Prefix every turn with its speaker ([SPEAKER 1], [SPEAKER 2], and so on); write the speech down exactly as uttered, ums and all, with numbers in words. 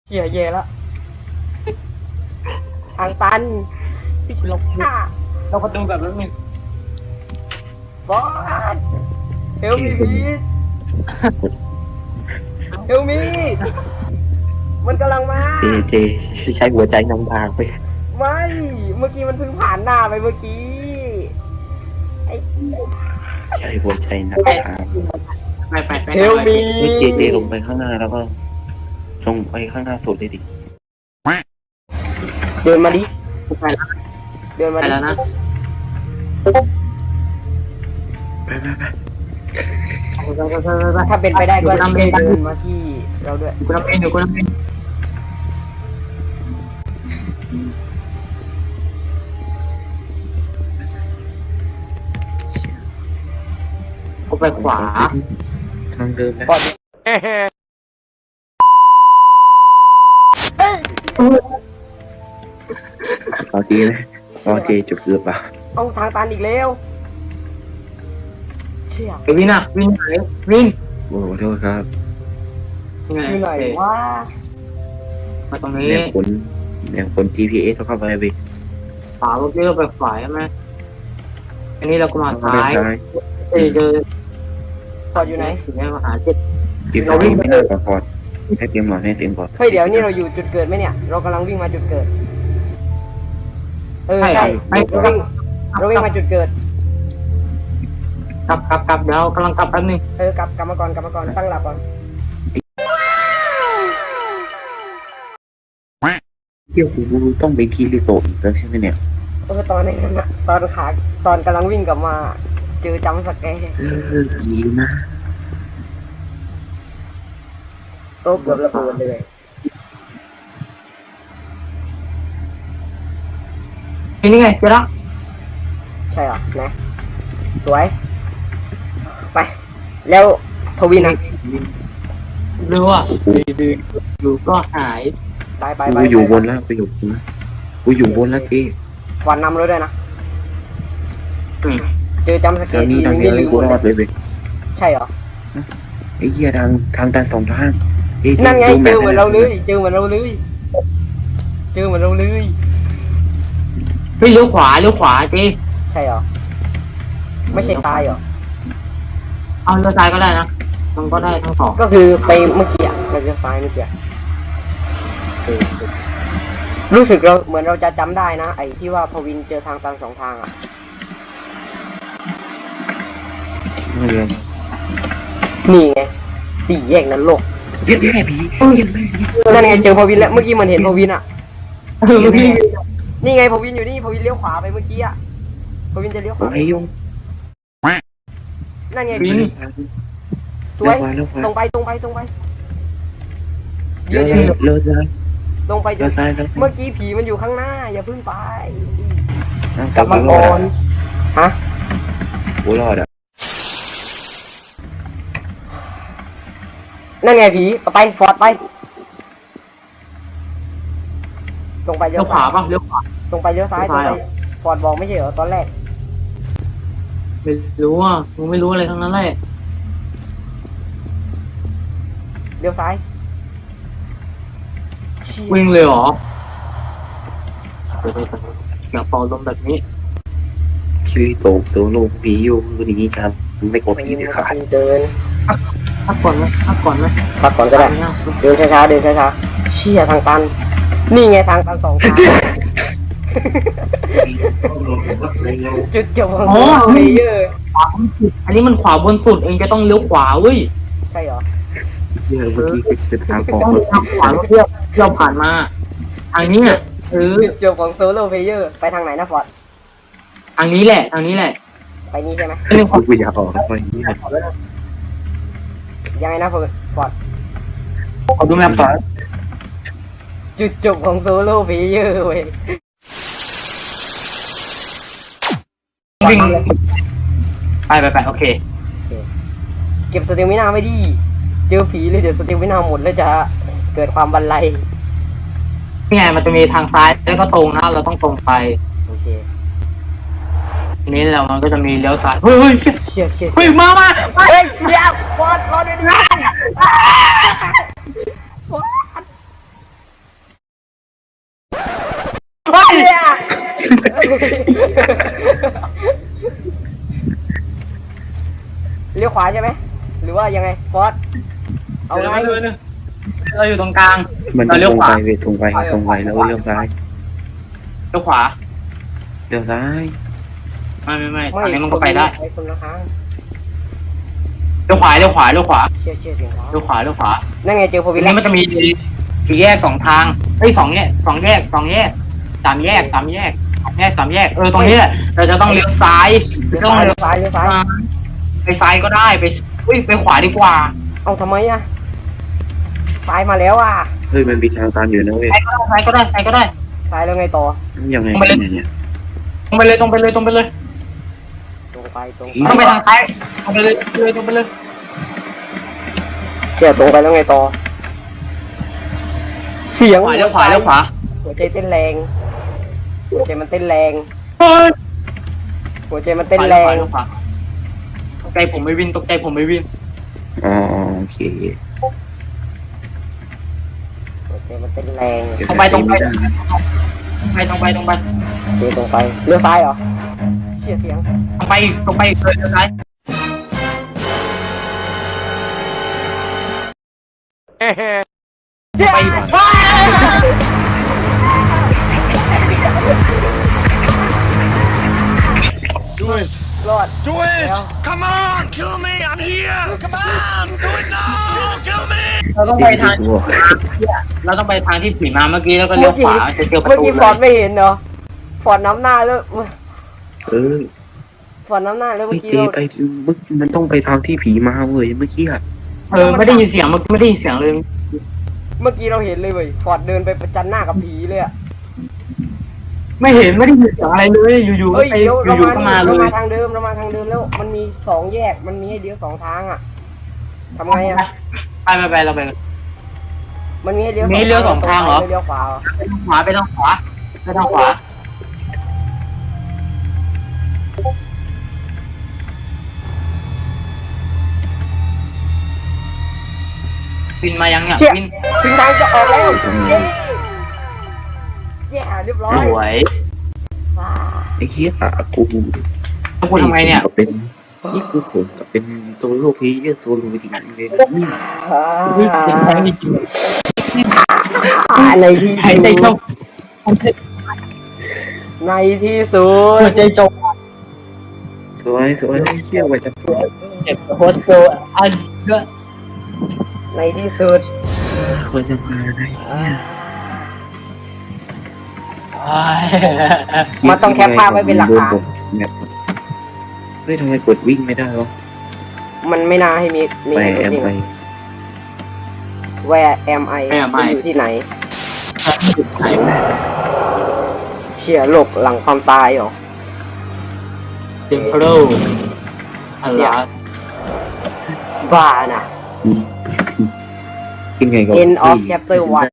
[SPEAKER 1] เฮียเย่แล้วทางตันพี่ชิลค่ะ
[SPEAKER 2] เราประตูกับรถมิน
[SPEAKER 1] บอสเฮลมีพีเฮลมีมันกำลังมา
[SPEAKER 3] เจเจใช้หัวใจนำทางไป
[SPEAKER 1] ไม่เมื่อกี้มันเพิ่งผ่านหน้าไปเมื่อกี้ไอ้
[SPEAKER 3] ใช้หัวใจนำทาง
[SPEAKER 2] ไปไปไป
[SPEAKER 1] เฮลมี
[SPEAKER 3] นี่เจเจลงไปข้างหน้าแล้วก็ลงไปข้างหน้าสุดเลยดิ
[SPEAKER 1] เดินมาดิ
[SPEAKER 2] ไปแล้ว
[SPEAKER 1] เดินมา
[SPEAKER 2] ไป
[SPEAKER 1] ดิ
[SPEAKER 2] แล้วนะ
[SPEAKER 3] ไปไปไป
[SPEAKER 1] ถ้าเป็นไปได้ก็เดินมาที่เราด้วย
[SPEAKER 2] กูรับเองเดี๋ยวกูรับเองกูไปขวา
[SPEAKER 3] ทางเดิมนะ
[SPEAKER 1] ก่อน
[SPEAKER 3] พอเจนะพอเจจบเกือบเปล่า
[SPEAKER 1] เอาทางตันอีกแล้วเชี่ย
[SPEAKER 2] เดี๋ยววินอ่ะวินไหนวิน
[SPEAKER 3] โอ้ขอโทษครับ
[SPEAKER 2] ยังไง
[SPEAKER 1] อยู่ไหนวะ
[SPEAKER 2] มาตรงนี้
[SPEAKER 3] แนวผลแนวผล จี พี เอสเข้าไปไป
[SPEAKER 2] ขวาเมื่อกี้เราไปขวาใช่ไหมอันนี้เราก็มา
[SPEAKER 3] เข้าไป
[SPEAKER 2] ซ้าย
[SPEAKER 3] ซ้าย
[SPEAKER 2] เจอเจอ
[SPEAKER 1] ฟอร์ดอยู่ไหน
[SPEAKER 2] ถึงได้มาหาเจ็ด
[SPEAKER 3] จีฟอร์ดไม่น่าก่อนฟอร์ดให้เตรียมหน่อยให้เตรียมก่อน
[SPEAKER 1] เฮ้ยเดี๋ยวนี่เราอยู่จุดเกิดไหมเนี่ย เรากำลังวิ่งมาจุดเกิด เออใช่เราวิ่งเราวิ่งมาจุดเกิด
[SPEAKER 2] กลับกลับกลับเดี๋ยวกำลังกลับแป๊บนึง
[SPEAKER 1] เออกลับกลับมาก่อนกลับมาก่อนตั้งหลักก่อน
[SPEAKER 3] เที่ยวกูต้องไปคีริโตะอีกแล้วใช่ไหมเนี่ย
[SPEAKER 1] เออตอนนี้นะตอนขาตอนกำลังวิ่งกลับมา เจอจำสแกร์
[SPEAKER 3] เลิกยีนะ
[SPEAKER 1] โต๊ะเกือบระเบิดเลย
[SPEAKER 2] นี่ไงเจอละ
[SPEAKER 1] ใช่เหรอนะสวย ไป แล้วทวินนะ
[SPEAKER 2] หรือว่าอยู่ก็หาย
[SPEAKER 1] ไปไปไป
[SPEAKER 3] กูอยู่บนแล้วกูอยู่บนแล้วกูอยู่บนแล้วเจ
[SPEAKER 1] วันนำเลยด้วยนะ
[SPEAKER 2] อืม
[SPEAKER 1] เจอจำสแก
[SPEAKER 3] ทาง
[SPEAKER 1] ร์
[SPEAKER 3] นี้
[SPEAKER 1] ที
[SPEAKER 3] ทาง
[SPEAKER 1] นึง
[SPEAKER 3] นี้
[SPEAKER 1] นี่ลืม
[SPEAKER 3] กู
[SPEAKER 1] หมด
[SPEAKER 3] รอด
[SPEAKER 1] เลย
[SPEAKER 3] เลยเว้ย
[SPEAKER 1] ใช่เหรอ
[SPEAKER 3] ไอ้เหี้ยทางทางตันสองทางเจเจ
[SPEAKER 1] นั่นไง
[SPEAKER 3] ดู
[SPEAKER 1] เจ
[SPEAKER 3] แม
[SPEAKER 1] อ
[SPEAKER 3] พ
[SPEAKER 1] เหมือนเราเลยเจอเหมือนเราเลยเจอเหมือนเราเลย
[SPEAKER 2] เฮ้ยเลี้ยวขวาเลี้ยวขวาเจ
[SPEAKER 1] ใช่เหรอ ไม่ใช่ตายเหรอ
[SPEAKER 2] เอาเลี้ยวซ้ายก็ได้นะมันก็ได้ทั้งสอง
[SPEAKER 1] ก็คือไปเมื่อกี้อะเราจะซ้ายเมื่อกี้อะรู้สึกเราเหมือนเราจะจำได้นะไอ้ที่ว่าพวินเจอทางตันสองทางอ่ะ
[SPEAKER 3] เรือ
[SPEAKER 1] นี่ไงสี่แยกนั้นโลก
[SPEAKER 3] เย็ดแม่ผีเย็ดแม่ผี
[SPEAKER 1] นั่นไงเจอพวินแล้วเมื่อกี้มันเห็นพวินอ่ะ
[SPEAKER 2] เออพี่
[SPEAKER 1] นี่ไงพวินอยู่นี่พวินเลี้ยวขวาไปเมื่อกี้อ่ะพวินจะเลี้ยวข
[SPEAKER 3] โอ้
[SPEAKER 1] วาย
[SPEAKER 3] ยง
[SPEAKER 1] นั่นไง
[SPEAKER 2] วิน
[SPEAKER 1] สวย
[SPEAKER 3] เร็ว
[SPEAKER 1] ตรงไปตรงไปตรงไป
[SPEAKER 3] เร็
[SPEAKER 1] เดี๋ยว
[SPEAKER 3] ว
[SPEAKER 1] เดี๋ยว
[SPEAKER 3] เร็วเร็วเร็ว
[SPEAKER 1] ตรงไปจ
[SPEAKER 3] เร็วน ซ้ายแล้ว
[SPEAKER 1] เมื่อกี้ผีมันอยู่ข้างหน้า อย่าเพิ่งไป ก
[SPEAKER 3] แต่
[SPEAKER 1] ลับ
[SPEAKER 3] กู
[SPEAKER 1] มาร
[SPEAKER 3] อ
[SPEAKER 1] ก่อ
[SPEAKER 3] ด
[SPEAKER 1] น
[SPEAKER 3] อ่ะ
[SPEAKER 1] ฮะ
[SPEAKER 3] กูรอดอ่ะ
[SPEAKER 1] นั่นไงผีไปฟอร์ดไปตรงไป
[SPEAKER 2] เลี้
[SPEAKER 1] เลี้
[SPEAKER 2] ย
[SPEAKER 1] ยว ว
[SPEAKER 2] ขวา
[SPEAKER 1] ซ้าย
[SPEAKER 2] ป่ะเลี้ยวขวา
[SPEAKER 1] ตรงไปเลี้ยวซ้ายตรงไปฟอร์ดบอกไม่ใช่เหรอตอนแรก
[SPEAKER 2] ไม่รู้อ่ะมึงไม่รู้อะไรทั้งนั้นเลย
[SPEAKER 1] เลี้ยวซ้ายเชี่ย
[SPEAKER 2] วิ่งเลยเหรอเดี๋ยวๆอย่าเป่าลมแบบนี้
[SPEAKER 3] คิริโตะตัวโลกผีอยู่คือนี้ครับไม่กลัว
[SPEAKER 1] ไป
[SPEAKER 3] ผี
[SPEAKER 1] ยิง
[SPEAKER 3] เด็ด
[SPEAKER 1] มัน
[SPEAKER 3] ขาด
[SPEAKER 1] เดิน
[SPEAKER 2] พักก่อนไหมพักก่อนไหม
[SPEAKER 1] พักก่อนก็ได้ เดินช้าๆเดินช้าๆเชี่ยทางตัน นี่ไงทางตันสองทางจุดจบของเพลเยอร์
[SPEAKER 2] ขวาบนสุดอันนี้มันขวาบนสุดเองจะต้องเลี้ยวขวาเว้ย
[SPEAKER 1] ใช่เหรอ
[SPEAKER 3] เยอะเมื่อกี้คือทางออก
[SPEAKER 2] ต้องทางขวาเพื่อเราผ่านมาทางนี้อ่ะเออ
[SPEAKER 1] จุดจบของโซโล่เพลเยอร์ไปทางไหนนะฟอร์ด
[SPEAKER 2] ทางนี้แหละทางนี้แหละ
[SPEAKER 1] ไปนี่ใช่ไหม
[SPEAKER 2] เรื่องขวา
[SPEAKER 3] กูอยากออกไปนี่
[SPEAKER 1] ยังไงนะฟอร์ดฟอร์ด
[SPEAKER 2] ขอดูแมพก่อน
[SPEAKER 1] จุดจบของโซโล่เพลเยอร์เว้ย
[SPEAKER 2] วิ่งไปไปไปโอเค
[SPEAKER 1] เก็บสเตมินาไว้ดิเจอผีเลยเดี๋ยวสเตมินาหมดแล้วจะเกิดความบันไล
[SPEAKER 2] นี่ไงมันจะมีทางซ้ายแล้วก็ตรงนะเราต้องตรงไป
[SPEAKER 1] โอเค
[SPEAKER 2] ทีนี้เรามันก็จะมีเลี้ยวซ้ายเฮ้ยเฮ้ย
[SPEAKER 1] เชี่ยเชี่ย
[SPEAKER 2] เฮ้ยมามามา
[SPEAKER 1] เฮ้ยเดี๋ยวฟอร์ดรอเดี๋ยวนี้เลี้ยวขวาใช่ไหมหรือว่ายังไงฟอสเอาไง
[SPEAKER 2] เดี๋ยวนะเราอยู่ตรงกลาง
[SPEAKER 3] มัน
[SPEAKER 2] เรา
[SPEAKER 3] ต
[SPEAKER 2] เลี้ยว
[SPEAKER 3] รง
[SPEAKER 2] ขวา
[SPEAKER 3] ไปเวทตรงไปตรงไปแล้วเลี้ยวซ้าย
[SPEAKER 2] เลี้ยวขวา
[SPEAKER 3] เลี้ยวซ้าย
[SPEAKER 2] ไม่ไม่ไม่อันนี้มันก็ไปได้
[SPEAKER 1] ไปคนละครั้ง
[SPEAKER 2] เลี้ยวขวาเลี้ยวขวาเลี้ยวขวา
[SPEAKER 1] เชี่ยเชี่ยเสียงขวา
[SPEAKER 2] เลี้ยวขวาเลี้ยวขวา
[SPEAKER 1] นั่นไงเจอโพ
[SPEAKER 2] ที
[SPEAKER 1] วิล
[SPEAKER 2] นี้มันจะมีสี่แยกสองทางเอ้ยสองแยกสองแยกสองแยกสามแยกสามแยกสามแยกสามแยกเออตรงนี้แหละเราจะต้องเลี้ยวซ้าย
[SPEAKER 1] เลี้ยว
[SPEAKER 2] ต้อง
[SPEAKER 1] ซ้าย
[SPEAKER 2] เลี้
[SPEAKER 1] เลี้
[SPEAKER 2] ย
[SPEAKER 1] ยว วซ้ายเลี้ยวซ้าย
[SPEAKER 2] ไปซ้ายก็ได้ไปอุ้ยไปขวาดีกว่า
[SPEAKER 1] เอาทำไมอะซ้ายมาแล้วอ่ะ
[SPEAKER 3] เฮ้ยมันมีทางตันอยู่นะเว้ย
[SPEAKER 2] ซ้ายก็ได้ซ้ายก็ได้ซ้ายก็ได้
[SPEAKER 1] ซ้ายแล้วไงต่อ
[SPEAKER 3] ยังไงเนี่ยเนี่ย
[SPEAKER 2] ตรงไปเลยตรงไปเลยตรงไปเลย
[SPEAKER 1] ตรงไปตรง
[SPEAKER 2] ต้องไปทางซ้ายตรงไปเลยเลยตรงไปเลย
[SPEAKER 1] เชี่ยตรงไปแล้วไงต่อ เสียง
[SPEAKER 2] ขวาเลี้ยวขวาเลี้ยวขวา
[SPEAKER 1] หัวใจเต้นแรงหัวใจมันเต้นแรง
[SPEAKER 2] เฮ้ย
[SPEAKER 1] หัวใจมันเต้นแรง
[SPEAKER 2] เลี้ยวขวาตกใจผมไม่วินตกใจผมไม่วิน
[SPEAKER 3] อ๋อโอเค
[SPEAKER 1] หัวใจมันเต้นแรง
[SPEAKER 3] เดี๋ยว
[SPEAKER 2] ตรงไปตรงไป
[SPEAKER 3] ม่ด้
[SPEAKER 2] ตรงไปตรงไปตรงไป
[SPEAKER 1] โอเคตรงไปเลี้ยวซ้ายเหรอเชี่ยเสียง
[SPEAKER 2] ตรงไปอีกตรงไปอีกเลยเลี้ยวซ้าย
[SPEAKER 1] เชี่ย
[SPEAKER 2] ไปอีก
[SPEAKER 4] Do it!
[SPEAKER 1] รอด
[SPEAKER 4] Do it!
[SPEAKER 1] Yeah.
[SPEAKER 4] Come on! Kill me! I'm here! Come on! Do it now! Kill me!
[SPEAKER 2] เราต้องไปทางเราต้องไปทางที่ผีมาเมื่อกี้แล้วก็เลี้ยวขวาจะเจอประ
[SPEAKER 1] เมื่อ
[SPEAKER 2] ตู
[SPEAKER 1] กี้
[SPEAKER 2] เล
[SPEAKER 1] ฟอร์ด
[SPEAKER 2] ย
[SPEAKER 1] ไม่เห็นเหรอฟอร์ดน้ำหน้าแล้ว
[SPEAKER 3] เออ
[SPEAKER 1] ฟอร์ดน้ำหน้าแล้ว
[SPEAKER 3] ไอ้
[SPEAKER 1] เมื่อกี้
[SPEAKER 3] เจ
[SPEAKER 1] เรา
[SPEAKER 3] ไปมึงมันต้องไปทางที่ผีมาเว้ยเมื่อกี้อะ
[SPEAKER 2] เออไม่ได้ยินเสียงเมื่อกี้ไม่ได้ยินเสียงเลย
[SPEAKER 1] เมื่อกี้เราเห็นเลยเว้ยฟอร์ดเดินไปประจันหน้ากับผีเลยอะ
[SPEAKER 2] ไม่เห็นไม่ได้ยินเสียงอะไรเลยอยู่ๆก็
[SPEAKER 1] เฮ้ย
[SPEAKER 2] ไป
[SPEAKER 1] เดี๋ยวเรา
[SPEAKER 2] อยู่
[SPEAKER 1] มา
[SPEAKER 2] ๆก็มาเล
[SPEAKER 1] เรา
[SPEAKER 2] ย
[SPEAKER 1] มาทางเดิมเรามาทางเดิมแล้วมันมีสองแยกมันมีให้เลี้ยวสองทางอะทำไงอะ
[SPEAKER 2] ไปไปไปเราไป
[SPEAKER 1] มันมีให้เลี้ยว
[SPEAKER 2] มีให้เลี้ยวสองทางเหรอ
[SPEAKER 1] ไม่เลี้ยวขวาเหรอ
[SPEAKER 2] ไปทางขวาไปทางขวาไปทางขวาวินมายังเนี่ย
[SPEAKER 1] เชี่ย
[SPEAKER 2] วิน
[SPEAKER 1] ถึงทางจะออกแล้วเย้แย่เรียบร้อ
[SPEAKER 2] ส
[SPEAKER 1] ย
[SPEAKER 2] วย
[SPEAKER 1] ว้า
[SPEAKER 3] ไอ้เหี้ยอะกู
[SPEAKER 2] แล้วกูทำไมเนี่ย
[SPEAKER 3] ก็เป็นนี่กูโขงกับเป็นโซโล่เพลเยอร์โซโล่จริงๆเลยนี่
[SPEAKER 2] เฮ้ยเป็นแทงจริง
[SPEAKER 1] อ่าในที่
[SPEAKER 2] หายใจจ
[SPEAKER 1] สุ
[SPEAKER 2] บ
[SPEAKER 1] ดในที่สุด
[SPEAKER 2] หัวใจจบ
[SPEAKER 3] สวยสวยไอ้เหี้ยว่าจะ
[SPEAKER 2] เจ็บโคตรโกอันเยอะ
[SPEAKER 1] ในที่สุด
[SPEAKER 3] ควรจะมาไอ้เหี้ย
[SPEAKER 1] มันต้องแคปภาพไว้เป็นหลักฐาน
[SPEAKER 3] แบบเฮ้ยทำไมกดวิ่งไม่ได้วะ
[SPEAKER 1] มันไม่น่าให้มีมี
[SPEAKER 3] ไป
[SPEAKER 1] ให้
[SPEAKER 3] แอม
[SPEAKER 1] จริง
[SPEAKER 3] ไป
[SPEAKER 1] Where am I มันอยู่ที่ไหน เชี่ยโลกหลังความตายเหรอ
[SPEAKER 2] เต็มโปรอะไร
[SPEAKER 1] บ้านะ
[SPEAKER 3] ขึ้นไงก็
[SPEAKER 1] End of chapter one